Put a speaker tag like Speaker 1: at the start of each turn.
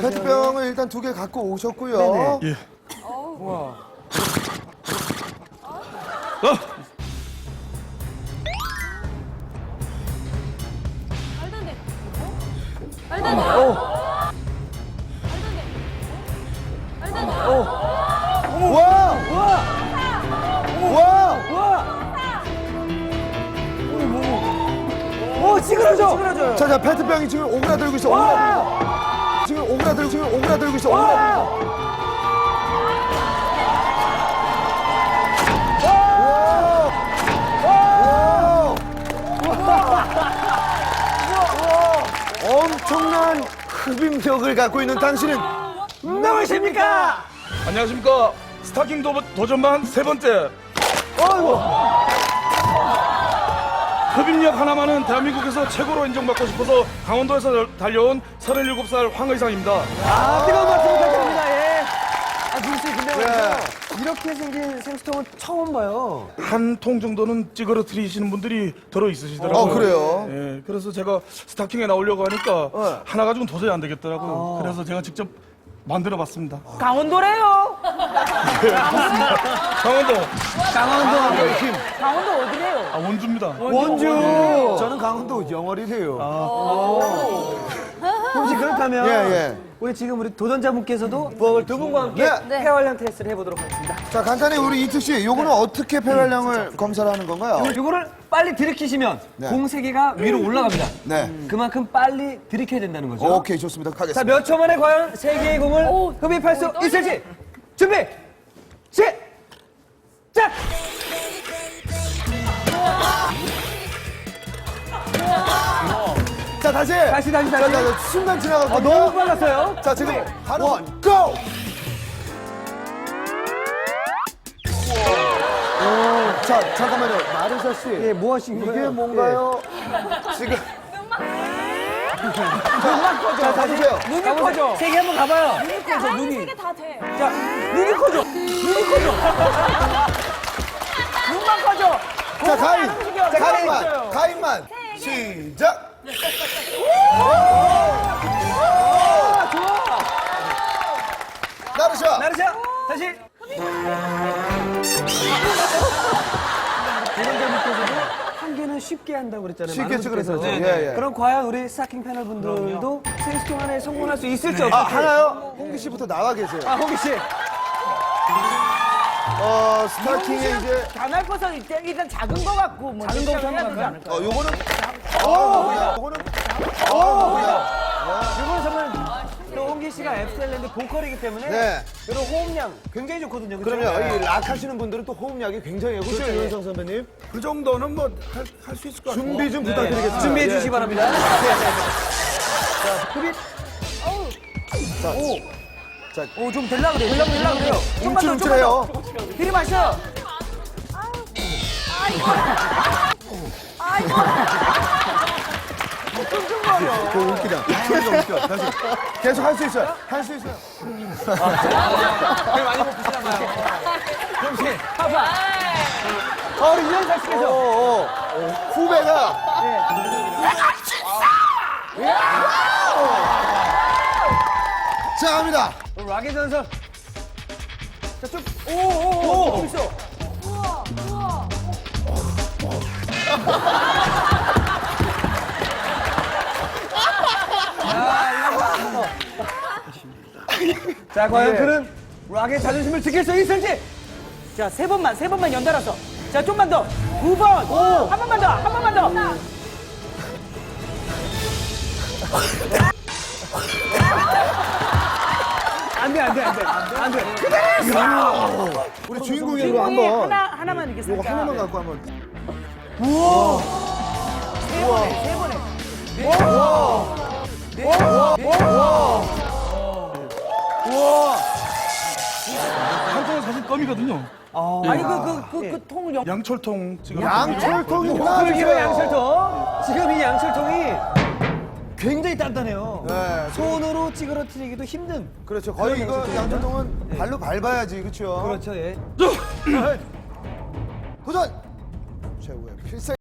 Speaker 1: 페트병을 일단 2개 갖고 오셨고요.
Speaker 2: 예.
Speaker 3: 우와.
Speaker 4: 말도 안 돼. 말도 안 돼. 말도 안 돼.
Speaker 1: 와! 와!
Speaker 3: 오, 찌그러져.
Speaker 1: 자, 페트병이 지금 오그라들고 있어. 오그라들고 있어. 엄청난 흡입력을 갖고 있는 당신은
Speaker 3: 누구십니까?
Speaker 2: 안녕하십니까. 스타킹 도전반 3번째. 흡입력 하나만은 대한민국에서 최고로 인정받고 싶어서 강원도에서 달려온 37살 황의상입니다.
Speaker 3: 뜨거운 박수 부탁드립니다. 예. 누구세요? 근데 말이죠. 이렇게 생긴 생수통은 처음 봐요.
Speaker 2: 한 통 정도는 찌그러뜨리시는 분들이 들어 있으시더라고요.
Speaker 1: 그래요?
Speaker 2: 예, 그래서 제가 스타킹에 나오려고 하니까 하나 가지고는 도저히 안 되겠더라고요. 그래서 제가 직접 만들어봤습니다.
Speaker 5: 강원도래요.
Speaker 2: 강원도
Speaker 5: 강원도 어디래요?
Speaker 2: 원주입니다.
Speaker 1: 원주. 저는 강원도 영월이래요.
Speaker 3: 혹시 그렇다면
Speaker 1: 예.
Speaker 3: 우리 지금 우리 도전자분께서도 부엌을 두 분과 함께
Speaker 1: 네.
Speaker 3: 폐활량 테스트를 해보도록 하겠습니다.
Speaker 1: 자, 간단히 우리 이특 씨, 요거는 어떻게 폐활량을 검사를 하는 건가요?
Speaker 3: 이거를 빨리 들이키시면
Speaker 1: 네.
Speaker 3: 공 3개가 위로 올라갑니다.
Speaker 1: 네.
Speaker 3: 그만큼 빨리 들이켜야 된다는 거죠.
Speaker 1: 오케이, 좋습니다.
Speaker 3: 자,
Speaker 1: 가겠습니다.
Speaker 3: 몇 초 만에 과연 3개의 공을 흡입할 수 있을지 준비! 시작!
Speaker 1: 자, 다시.
Speaker 3: 다시.
Speaker 1: 자, 순간 지나갔거든요.
Speaker 3: 너무 빨랐어요.
Speaker 1: 자, 지금 바로 고! 자, 잠깐만요. 마르샤 씨.
Speaker 3: 예, 뭐 하신 거예요?
Speaker 1: 이게 뭔가요? 지금. 자, 다시세요.
Speaker 5: 눈이 커져.
Speaker 3: 3개 한번 가봐요.
Speaker 5: 눈이 커져.
Speaker 4: 아니,
Speaker 5: 눈이.
Speaker 4: 3개 다 돼.
Speaker 3: 자, 눈이 커져.
Speaker 5: 눈만 커져.
Speaker 1: 자, 가인.
Speaker 5: 안 움직여. 가만히 있어요.
Speaker 1: 가인만. 시작. 나르샤.
Speaker 3: 나르샤, 다시. 도전자분께서도 한 개는 쉽게 한다고 그랬잖아요.
Speaker 1: 쉽게
Speaker 3: 많은
Speaker 1: 찍으랬죠.
Speaker 3: 분께서.
Speaker 1: 예.
Speaker 3: 그럼 과연 우리 스타킹 패널 분들도 생수통 하나에 성공할 수 있을지 없을지.
Speaker 1: 하나요? 홍기 씨부터 나와 계세요.
Speaker 3: 홍기 씨.
Speaker 1: 스타킹에 이제
Speaker 5: 단할 것은 일단 작은 거 같고 뭐
Speaker 3: 작은 거부터
Speaker 5: 해야
Speaker 3: 한번
Speaker 5: 되지 않을까?
Speaker 1: 요거는
Speaker 3: 이번 선은 또 홍기 씨가 앱스텔랜드 보컬이기 때문에
Speaker 1: 네.
Speaker 3: 이런 호흡량 굉장히 좋거든요. 그렇죠?
Speaker 1: 그럼요. 이 락 하시는 분들은 또 호흡량이 굉장히 그렇죠, 유현상 선배님.
Speaker 2: 그 정도는 뭐 할 수 있을 것 같아요.
Speaker 1: 준비 좀 부탁드리겠습니다.
Speaker 3: 준비해
Speaker 1: 예.
Speaker 3: 주시기 바랍니다. 자, 흡입.
Speaker 5: 좀 될라 그래요. 될라 그래요.
Speaker 1: 움찔움찔해요.
Speaker 5: 들이마셔.
Speaker 1: 그 웃기다. 소리가 웃겨. 다시. 계속 할 수 있어요. 할 수 있어요.
Speaker 3: 우리 유현상 씨께서.
Speaker 1: 후배가 자, 갑니다.
Speaker 3: 락의 전설. 자, 좀. 좀 있어.
Speaker 4: 우와, 우와.
Speaker 3: 자, 과연 그는 락의 자존심을 지킬 수 있을지.
Speaker 5: 자, 세 번만 연달아서. 자, 좀만 더. 9번. 한 번만 더. 한 번만 더.
Speaker 3: 안 돼.
Speaker 1: 우리 주인공이
Speaker 5: 주인공이
Speaker 1: 한번
Speaker 5: 하나만 이렇게
Speaker 1: 요거
Speaker 5: 살짝.
Speaker 1: 하나만 갖고 한번.
Speaker 5: 세 번에.
Speaker 2: 한 통은 사실 껌이거든요.
Speaker 5: 아니 그 통을
Speaker 2: 양철통 지금
Speaker 1: 양철통이
Speaker 3: 그리고
Speaker 1: 나와주세요.
Speaker 3: 양철통. 지금 이 양철통이 굉장히 단단해요.
Speaker 1: 네.
Speaker 3: 손으로 찌그러뜨리기도 힘든.
Speaker 1: 그렇죠. 거의
Speaker 3: 그런
Speaker 1: 이거
Speaker 3: 양철통이죠.
Speaker 1: 양철통은 발로 밟아야지, 그렇죠?
Speaker 3: 그렇죠, 예.
Speaker 1: 도전! 최고의 필살.